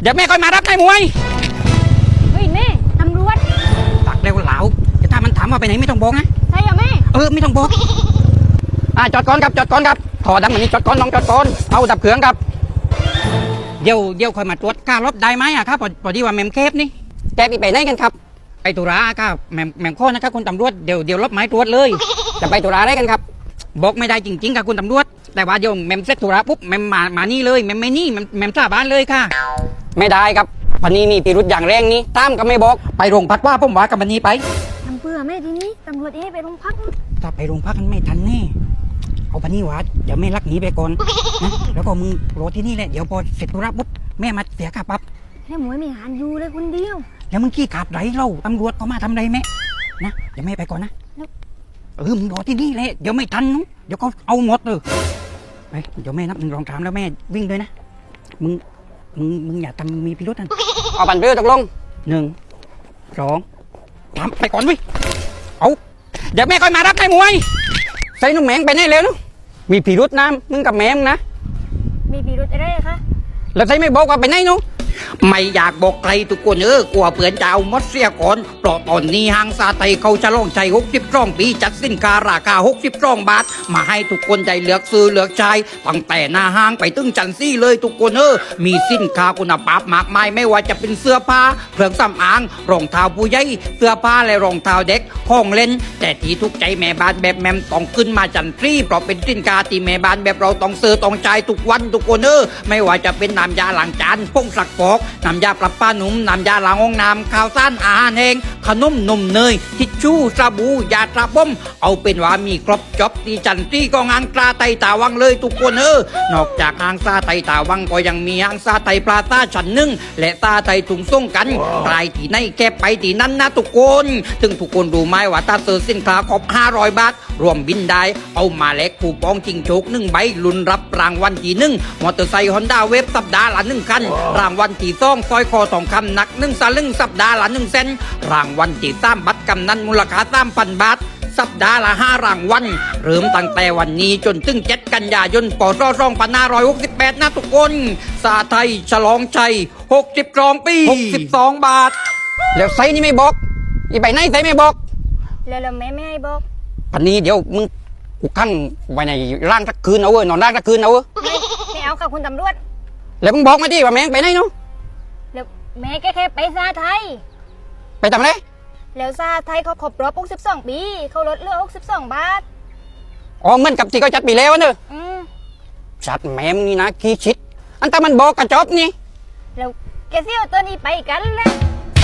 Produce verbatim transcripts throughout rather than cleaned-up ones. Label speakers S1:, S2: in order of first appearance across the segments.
S1: เดี๋ยวแม่ค่อยมารับนายมวย
S2: เฮ้ยแม่ตำรวจ
S1: ตักเร็วเหลาแต่ถ้ามันถามว่าไปไหนไม่ต้องบอกนะ
S2: ใช่เหรอแม่
S1: เออไม่ต้องบอกอ่าจอดก่อนครับจอดก่อนครับถอดดังเหมือนนี้จอดก่อนน้องจอดก่อนเอาดับเครื่องครับเดี๋ยวเดี๋ยวค่อยมาตรวจการรถได้ไหมอะครับพอดีว่าแมมเคฟนี่แกไปไปไหนกันครับไปตุลาครับแมมแมมข้อนะครับคุณตำรวจเดี๋ยวเดี๋ยวรถไม้ตรวจเลยจะไปตุลาได้กันครับบอกไม่ได้จริงๆครับคุณตำรวจแต่ว่าเดี๋ยวแมมเสร็จตุลาปุ๊บแมมมามานี่เลยแมมไม่นี่แมมแมมสาบานเลยค่ะไม่ได้ครับพันนี้มีพิรุธอย่างแรงนี้ตามก็ไม่บอกไปโรงพักว่าผมว่ากับพันนี้ไป
S2: ทำเพื่อแม่ทีนี้ตำรวจเอ้ไปโรงพัก
S1: ถ้าไปโรงพักกันไม่ทันแน่เอาพันนี้วะเดี๋ยวแม่ลักหนีไปก่อนนะแล้วก็มึงรอที่นี่แหละเดี๋ยวพอเสร็จธุระปุ๊บแม่มาเสียค่าปรับ
S2: แล้วหมวยไม่หันอยู่เลยคนเดียว
S1: แล้วมึงขี้ขาดไหลเล่าตำรวจเขามาทำไรแม่นะเดี๋ยวแม่ไปก่อนนะเออมึงรอที่นี่แหละเดี๋ยวไม่ทันนู้เดี๋ยวเขาเอาหมดเลยไปเดี๋ยวแม่นับหนึ่งรองสามแล้วแม่วิ่งเลยนะมึงมึงมึงอย่าทำมีพิรุธนั่นเอาบันเรือตกลงหนึ่งสองสามไปก่อนวิเอาเดี๋ยวแม่ค่อยมารับนายมวยใส่นุ่มแมงไปไหนแล้วนู้มีพิรุธนะมึงกับแม่มึงนะ
S2: มีพิรุธอะไรคะ
S1: แล้วใส่ไม่บอกว่าไปไหนนู้ไม่อยากบอกใครทุกคนเออกลัวเผื่อนจะเอามดเสียก่อนเพราะตอนนี้ห้างซาไตเขาจะลองใจหกสิบร่องปีจัดสินค้าราคาหกสิบร่องบาทมาให้ทุกคนได้เลือกซื้อเลือกใช้ตั้งแต่หน้าห้างไปตึ้งจันซี่เลยทุกคนเออมีสินค้าคุณภาพมากมายไม่ว่าจะเป็นเสื้อผ้าเครื่องสำอางรองเท้าผู้ใหญ่เสื้อผ้าและรองเท้าเด็กของเล่นแต่ที่ทุกใจแม่บ้านแบบแมมต้องขึ้นมาจันทรีเพราะเป็นสินค้าที่แม่บ้านแบบเราต้องซื้อต้องใช้ทุกวันทุกคนเออไม่ว่าจะเป็นน้ำยาล้างจานผงซักฟอกน้ำยาปรับผ้าหนุ่มน้ำยาล้างห้องน้ำข้าวสารอาหารแห้งขนมนมเนยทิชชู่สบู่ยาตราบ้มเอาเป็นว่ามีครบจบที่จันทรีก็งานกลาไตตาวังเลยทุกคนเออนอกจากห้างซาไตตาวังก็ยังมีห้างซาไตปลาซาชั้นหนึ่งและซาไตถุงส่งกันใครที่ไหนแค่ไปที่นั้นนะทุกคนถึงทุกคนรู้ไหมว่าถ้าซื้อสินค้าครบห้าร้อยบาทรวมบินได้เอามาแลกคูปองจิงโชกหนึ่งใบลุ้นรับรางวัลที่หนึ่งมอเตอร์ไซค์ฮอนด้าเวฟสัปดาห์ละหนึ่งคันรางวัลที่สองซอยคอทองคำหนักหนึ่งสลึงสัปดาห์ละหนึ่งเซนรางวัลที่สามบัตรกำนันมูลค่าสามพันบาทสัปดาห์ละห้ารางวัลเริ่มตั้งแต่วันนี้จนถึงเจ็ดกันยายนปศสองพันห้าร้อยหกสิบแปดนะทุกคนซาไทยฉลองชัยหกสิบสองปีหกสิบสองบาทแล้วไซนี่ไม่บอกอีไปไหนไซไม่บอก
S2: แล้วแม่ไม่ให้บอก
S1: พันนี้เดี๋ยวมึงกูขั้นไว้ในร่างสักคืนเอาเว้ยนอนร่างสักคืนเอาเว้ย
S2: ไม่ไม่เอาค่ะคุณตำรวจ
S1: แล้วมึงบอกมาดิว่าแม่งไปไหนเนาะ
S2: แล้วแม่แค่แค่ไปซาไทย
S1: ไปทำอะไร
S2: แล้วซาไทยเขาครบรอบหกสิบสองปีเขาลดเหลือหกสิบสองบาท
S1: อ๋อเหมือนกับที่เขาจัดปีแล้วเนอะ
S2: อืม
S1: จัดแม่มนี่นะขี้ชิดอันแต่มันบอกกระจบนี่
S2: แล้วแกเสี่ยวตัวนี้ไปกันแล้ว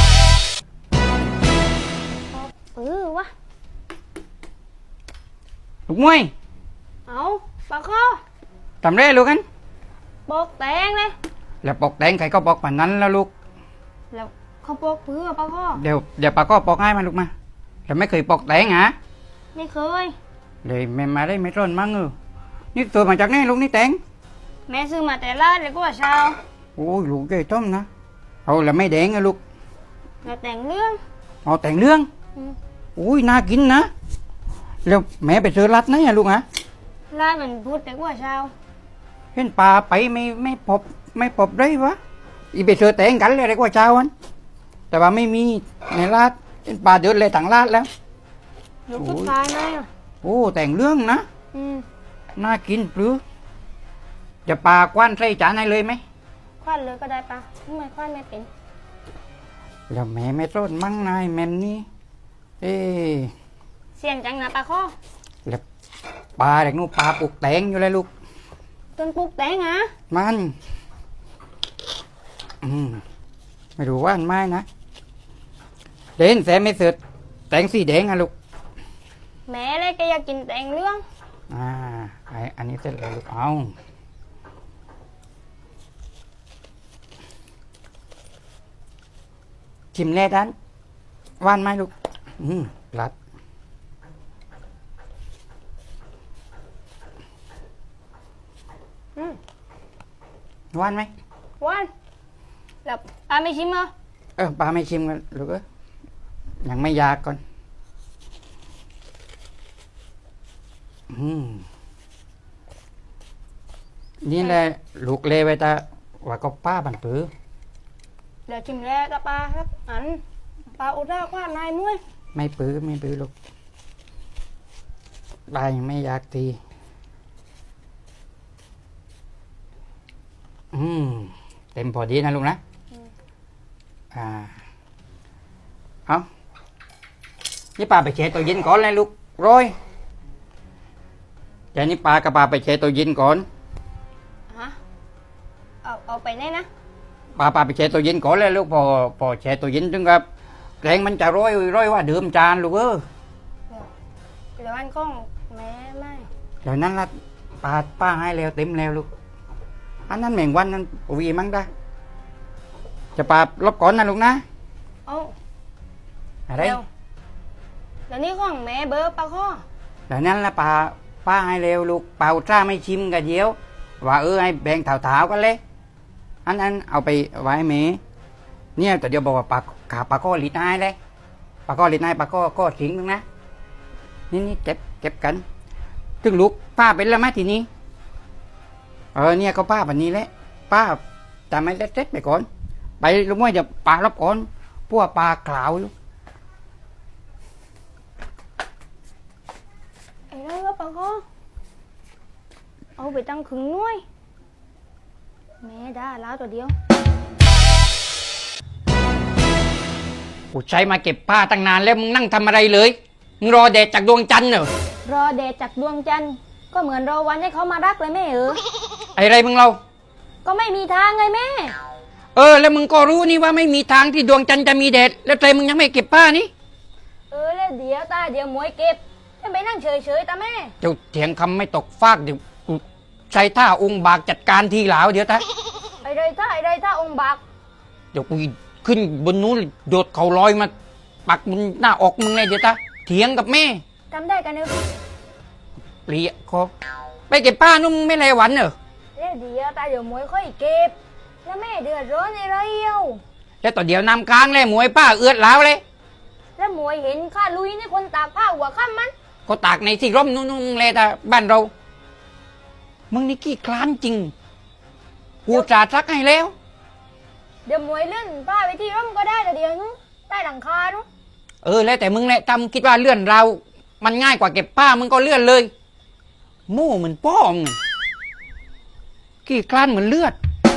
S2: เออวะ
S1: ลูกมวย
S2: เอาปากคอ
S1: ทำไรลูกกัน
S2: ปอกแตงเลย
S1: แล้วปอกแตงใครก็ปอกป่านนั้นแล้วลูก
S2: แล้วเขาปอกเพื่อปากคอ
S1: เดี๋ยวเดี๋ยวปากก็ปอกให้มาลูกมาแต่ไม่เคยปอกแตงฮะ
S2: ไม่เคย
S1: เลยแม่มาได้ไม่ร้อนมั้งเออนี่ตัวมาจากไหนลูกนี่แตง
S2: แม่ซื้อมาแต่ละเลยก็ว่าเช้า
S1: โอ้ยลูกเกยต้มนะเอาแล้วไม่แดงอะลูก
S2: แล้วแต่งเรื่อง
S1: เอาแต่งเรื่องอุ้ยน่ากินนะแล้วแม่ไปซื้อรัดไหนอะลูกฮะ
S2: ร้านมันพูดแต่ว่าเช้า
S1: เห็นปลาไปไม่ไม่พบไม่พบได้วะอีไปซื้อแต่งกันเลยอะไรกว่าเช้าวันแต่ว่าไม่มีในร้านเห็นปลาเดือดเลยต่างร้านแล้ว
S2: ลูกผู้ชายไหมอ่ะ
S1: โอ้แต่งเรื่องนะ
S2: อืม
S1: น่ากินหรือจะปลากว้านใส่จานให้เลยไหม
S2: คว้านเลยก็ได้ปะทำไมคว้านไม่เป็น
S1: แล้วแม่ไม่ต้นมั่งนายแม่นี่เอ๊
S2: เสียงจังนะปลาข้อ
S1: แล้วปลาเด็กนู้นปลาปลูกแตงอยู่เลยลูก
S2: ต้นปลูกแตงฮะ
S1: มันอืมไม่รู้ว่าอันไม้นะเด่นแสไม่เสร็จแตงสีแดงอะลูก
S2: แม่เลยแกอยากกินแตงเรื่อง
S1: อ่าไออันนี้เสร็จแล้วลูกเอาชิมแร่ด้านว่านไหมลูกอืมรัด
S2: อืม
S1: ว่านไหม
S2: ว่านแล้วปลาไม่ชิมเหรอ
S1: เออปลาไม่ชิมกันลูกเอ้ยยังไม่อยากก่อนอืมนี่แหละลูกเลไว้ตาว่าก็ป้าบันปือ
S2: เดี๋ยวชิมแรกกับปลาครับอันปลาอุด้าความนายมุ้ย
S1: ไม่ปื้อไม่ปื้อลูกปลายังไม่อยากตีอืมเต็มพอดีนะลุงนะอ่าเอานี่ปลาไปแช่ตัวเย็นก่อนเลยลูกร้อยเดี๋ยวนี้ปลากับปลาไปแช่ตัวเย็นก่อน
S2: ฮะเอาเอาไปไหนนะ
S1: ปลาปลาไปแช่ตัวเย็นก่อนเลยลูกพอพอแช่ตัวเย็นถึงครับแกงมันจะร้อยร้อยว่าเดิมจานลูกเออ
S2: เดี๋ยวอันกล้องแม่ไม่
S1: เดี๋ยวนั้นละปลาป้าให้แล้วเต็มแล้วลูกอันนั้นแมงวันนั้นวีมั้งได้จะปลาลบก่อนนะลูกนะ
S2: เอา
S1: อะไร
S2: เดี๋ยวเดี๋ยวนี้ของแม่เบอร์ปลาข้อ
S1: เดี๋ยวนั้นละปลาป้าให้แล้วลูกเปล่าจ้าไม่ชิมกันเดียว ว่าเออให้แบ่งเถาๆกันเลยอันนั้นเอาไปไว้เมเนี่ยแต่เดี๋ยวบอกว่าปลาขาปลาก็ลิดนายเลยปลาก็ลิดนายปลาก็ก็ทิ้งนึงนะนี่นี่เก็บเก็บกันถึงลูกป้าเป็นแล้วไหมทีนี้เออเนี่ยก็ป้าแบบนี้แหละป้าจำไม่เล็ดๆไปก่อนไปลุงว่าจะปลารับก่อนพวกปลาขาวลูก
S2: ไอ้นั่นก็ปลาข้อเอาไปตั้งครึ่งหน่วยแม่ด่าแล้วตัวเดียว
S1: กูใช้มาเก็บผ้าตั้งนานแล้วมึงนั่งทำอะไรเลยมึงรอแดดจากดวงจันทร์เหรอ
S2: รอเดชจากดวงจันทร์ก็เหมือนรอวันให้เขามารักเลยแม่เออ
S1: ไอ้ไรมึงเรา
S2: ก็ไม่มีทางไงแม่
S1: เออแล้วมึงก็รู้นี่ว่าไม่มีทางที่ดวงจันทร์จะมีแดดแล้วใจมึงยังไม่เก็บผ้านี่
S2: เออแล้วเดี๋ยวตาเดี๋ยวหมวยเก็บจะไปนั่งเฉยๆตาแม่
S1: เจ้าเถียงคำไม่ตกฟากเดี๋ยวกูใช้ท่าองค์บากจัดการทีหลาวเดี๋ยวตา
S2: ไอ้ไรท่าไอ้ไรท่าองค์บัก
S1: เดี๋ยวกูขึ้นบนนู้นโดดเขาลอยมาปักบนหน้าอกมึงเลยเดี๋ยวตาเถียงกับแม่
S2: จำได้กันเนอะ
S1: เปลี่ยคอไปเก็บผ้านุ่มไม่ไรหวันเหรอ
S2: แล้วเดี๋ยวตาเดี๋ยวหมวยค่อยเก็บแล้วแม่เดือดร้อนอะไรเอ้า
S1: แล้วต่อเดี๋ยวนำค้างเลยหมวยป้าเอือดหลาวเลย
S2: แล้วหมวยเห็นข้าลุยนี่คนตากผ้าหัวค่ำมัน
S1: ก็ตากในที่ร่มนุ่งๆเลยแต่บ้านเรา มึงนี่ขี้คลานจริง กูจ่าซักให้แล้ว
S2: เดี๋ยวหมวยเลื่อนผ้าไปที่ร่มก็ได้แต่เดี๋ยวนู้นใต้หลังคานู้น
S1: เออแล้วแต่มึงแหละทำคิดว่าเลื่อนเรา มันง่ายกว่าเก็บผ้ามึงก็เลื่อนเลยโม่เหมือนป้องขี้คลานเหมือนเลือด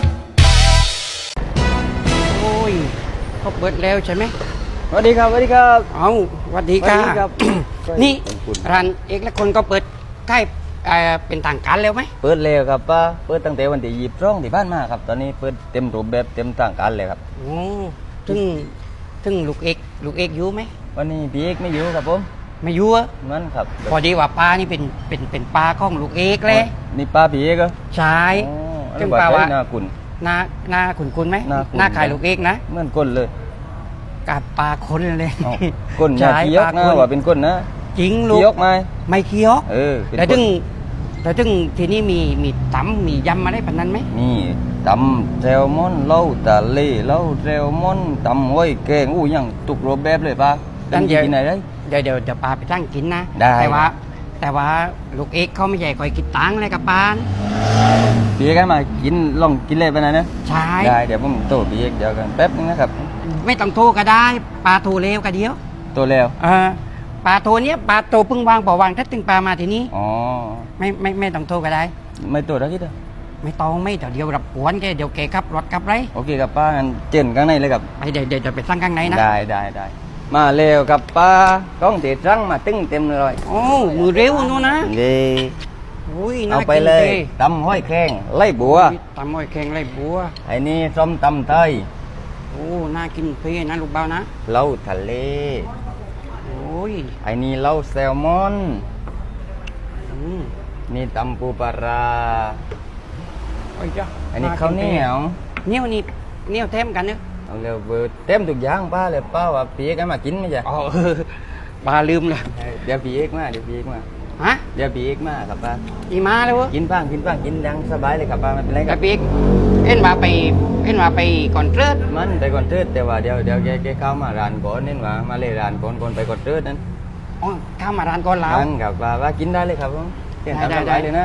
S1: โอ้ยเขาเปิดแล้วใช่ไหม
S3: สวัสดีครับสวัสดีครับ
S1: เอาสวัสดีครั
S3: สวัสดีครับ บ
S1: นี่
S3: ขอบคุณ
S1: ร้านเอกและคนก็เปิดใกล้เอ่อเป็นทางการแล้วไหม
S3: เปิดแล้วครับป้าเปิดตั้งแต่วันที่ยี่สิบสองที่ผ่านมาครับ ตอนนี้เปิดเต็มรูปแบบเต็มทางการเลยครับ
S1: โอ้ถึงถึงลูกเอกลูกเอกอยู่ไหม
S3: วันนี้พี่เอกไม่อยู่ครับผม
S1: ไม่อยู่อะ
S3: นั่นครับ
S1: พอดีว่าปลานี่เป็นเป็นเป็นปลาของลูกเอกเลย
S3: นี่ป้าพี่เอกเหรอ
S1: ใช่
S3: อ๋อ
S1: ซึ่ง
S3: แล้ว
S1: ปลาว่า
S3: หน้ากุน
S1: หน้าหน้าขุนคุณไหม
S3: หน้าขุ่น
S1: หน้าขายลูกเอกนะ
S3: เหมือนก้นเลย
S1: กับปลาคนเลย
S3: เอ้าก้นอย่า
S1: ใช่
S3: เคี้ย
S1: ป
S3: ก
S1: ลา
S3: นะ
S1: คน
S3: ว่าเป็นก้นนะ
S1: จริงลูก
S3: เคี้ยกไหม
S1: ไม่เคี้ยว
S3: เออเป็น
S1: แต่
S3: ก้
S1: ถึ
S3: น
S1: งแต่ถึงทีนี้มีมีตำมียำมาได้ปานนั้นไหม
S3: มีตำแซลมอนเหล้าตะเลเหล้าแซลมอนตำห้อยแกงอู้ยังตุกรูปแบบเลยป้าเป็นกินไหนได้
S1: เดี๋ยวเดี๋ยวเดี๋ยวปลาไปตั้งกินนะ
S3: ได้
S1: แต่ว่า แต่ว่าลูกเอกเขาไม่ใหญ่คอยกินตังค์เลยกับปาน
S3: พี่เอกให้มากินลองกินเลยไปไหนนะ
S1: ใช่
S3: ได้เดี๋ยวผมโตพี่เอกเดี๋ยวกันแป๊บนึงนะครับ
S1: ไม่ต้องโทรก็ได้ปลาโทรเร็วก็เดียว
S3: โตแล้ว
S1: เออปลาโทรเนี้ยปลาโทรเพิ่งวางบ่อวางถ้าตึงปลามาทีนี้
S3: อ๋อ
S1: ไม่ไม่ไม่ต้องโทรก็ได้
S3: ไม่โตแล้วคิดอ่ะ
S1: ไม่ต้องไม่เดี๋ยวเดี๋ยวรับกวนแกเดี๋ยวแกขับรถขับไร
S3: โอเคครับป้างั้นเจนข้างในเลยครับ
S1: ไปเดี๋ยวเดี๋ยวเดี๋ยวไปสั่งข้างในนะ
S3: ได้ได้ได้มาเร็วครับป้ากล้องเด็ดรังมาตึ้งเต็มเลย
S1: โอ้มือเร็วนู่นนะ
S3: ดี
S1: อุ้ยน่า
S3: เอาไป
S1: กิน
S3: เลย
S1: ท่
S3: ตำห้อยแข้งไล่บัว
S1: ตำอ้อยแข็งไรบัว
S3: ไอ้นี่ส้มตำไทย
S1: โอ้น่ากินเพี่นะลูกเบานะ
S3: เหล้าทะเล
S1: โอ้ย
S3: ไอ้นี่เหล้าแซลมอน
S1: อืม
S3: นี่ตำปูปลาร้า
S1: โอ้ยจ้ะ
S3: อันนี้ข้าวเหนียว
S1: เหนียวนี่เหนียวเต็มกันเนอะ
S3: เอาเร็วเบอร์เต็มทุกอย่างป้าเลยป้าว่าพี่เอกให้มากินไหมจ๊ะ
S1: อ๋อเออปลาลืมเลย
S3: เดี๋ยวพี่เอกมาเดี๋ยวพี่เอกมา
S1: ฮะ
S3: เดี๋ยวพี่เอกมาครับป้า
S1: อีมาแล้วเวะ
S3: กินบ้างกินบ้างกินดังสบายเลยครับป้าไม่เป็นไรค
S1: ก
S3: รั
S1: ระ
S3: บ
S1: ปิกเอ็นมาไปเอ็นมาไปก่อนเติร์ด
S3: มันไปก่อนเทิดแต่ว่าเดี๋ยวเดี๋ยวแกแกเข้ามาร้านก่อนนี่ว่ามาเลยร้านก่อนก่อนไปก่อนเทิดนั้น
S1: อ๋อข้ามมาร้านก่อนแล้ว
S3: นั่นครับว่าว่ากินได้เลยครับผมเต้นตาม
S1: ได้
S3: ส
S1: ได้
S3: บายเลยนะ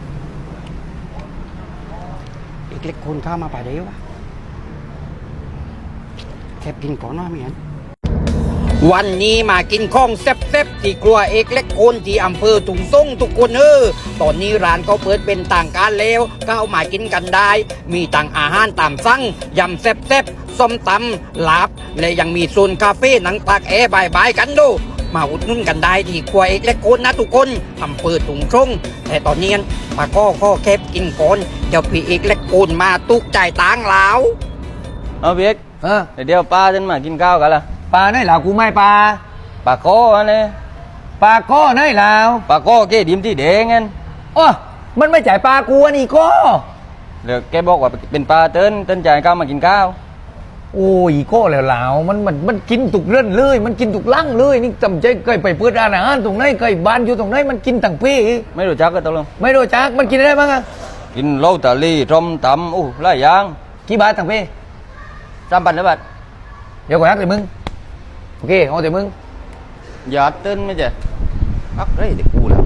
S1: อีกเล็กคนข้ามมาป่าเดียววะคบกินก่อนนะเมียนวันนี้มากินข้องแซ่บๆที่ครัวเอกเล็กโคนที่อำเภอถุงส่งทุกคนเออตอนนี้ร้านเขาเปิดเป็นต่างการแล้วก็เอามากินกันได้ มีต่างอาหารตามสั่งยำแซ่บๆส้มตำลาบและยังมีโซนคาเฟ่หนังตากแอร์บายบายกันดูมาอุดหนุนกันได้ที่ครัวเอกเล็กโคนนะทุกคนอำเภอถุงส่งแต่ตอนนี้ปาก็ข้อแคบกินก่อนเดี๋ยวพี่เอกเล็กโคนมาตุกจ่ายตังค์แล้ว
S3: เอาเบียก
S4: เออ
S3: เดี๋ยวป้าฉันมากินข้าวกันละ
S4: ปลาไหนเหล่ากูไม่ปลา
S3: ป้าโก้อันนี้
S4: ปลาก้อไหนเหล่า
S3: ป้าโก้แกดิมที่แดงงั้น
S4: โอ้มันไม่จ่ายปลากูอันนี้ก็
S3: เดี๋ยวแกบอกว่าเป็นปลาเติ้นเติ้นจ่ายข้าวมากินข้าว
S4: โอ้ยก็แล้วเหล่ามันมันมันกินตุกเรื่อนเลย มันกินตุกลั่งเลยนี่จำใจเคยไปเปิดร้านอาหารตรงไหนเคยบ้านอยู่ตรงไหนมันกินต่างพี่
S3: ไม่รู้จักก็ตกลง
S4: ไม่รู้จักมันกินอะไรบ้างอะ
S3: กินเหล้าตาลีส้มตำอู้หลายอย่าง
S4: กี่บาทต่างพี่
S3: สามพันนะบัด
S4: เดี๋ยวก่อนนะแต่มึงโอเคเอาแต่มึง
S3: อย่าเติ้นไม่ใช่อักเร่เด็กกูแล้ว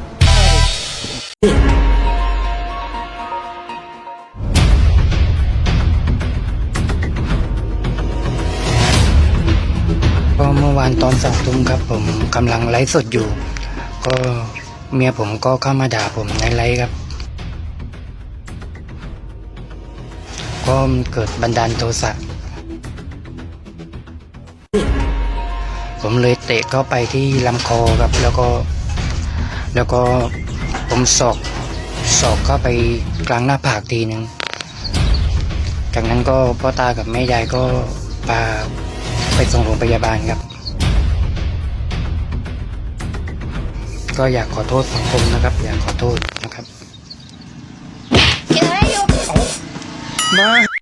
S1: ก็เมื่อวานตอนสองทุ่มครับผมกำลังไลฟ์สดอยู่ ก็เมียผมก็เข้ามาด่าผมในไลฟ์ครับ ก็เกิดบันดาลโทสะผมเลยเตะเข้าไปที่ลำคอครับ แล้วก็ แล้วก็ผมศอกศอกเข้าไปกลางหน้าผากทีหนึ่งจากนั้นก็พ่อตากับแม่ยายก็พาไปส่งโรงพยาบาลครับ ก็อยากขอโทษสังคมนะครับ อยากขอโทษนะครับ
S2: เจออยู่
S1: มา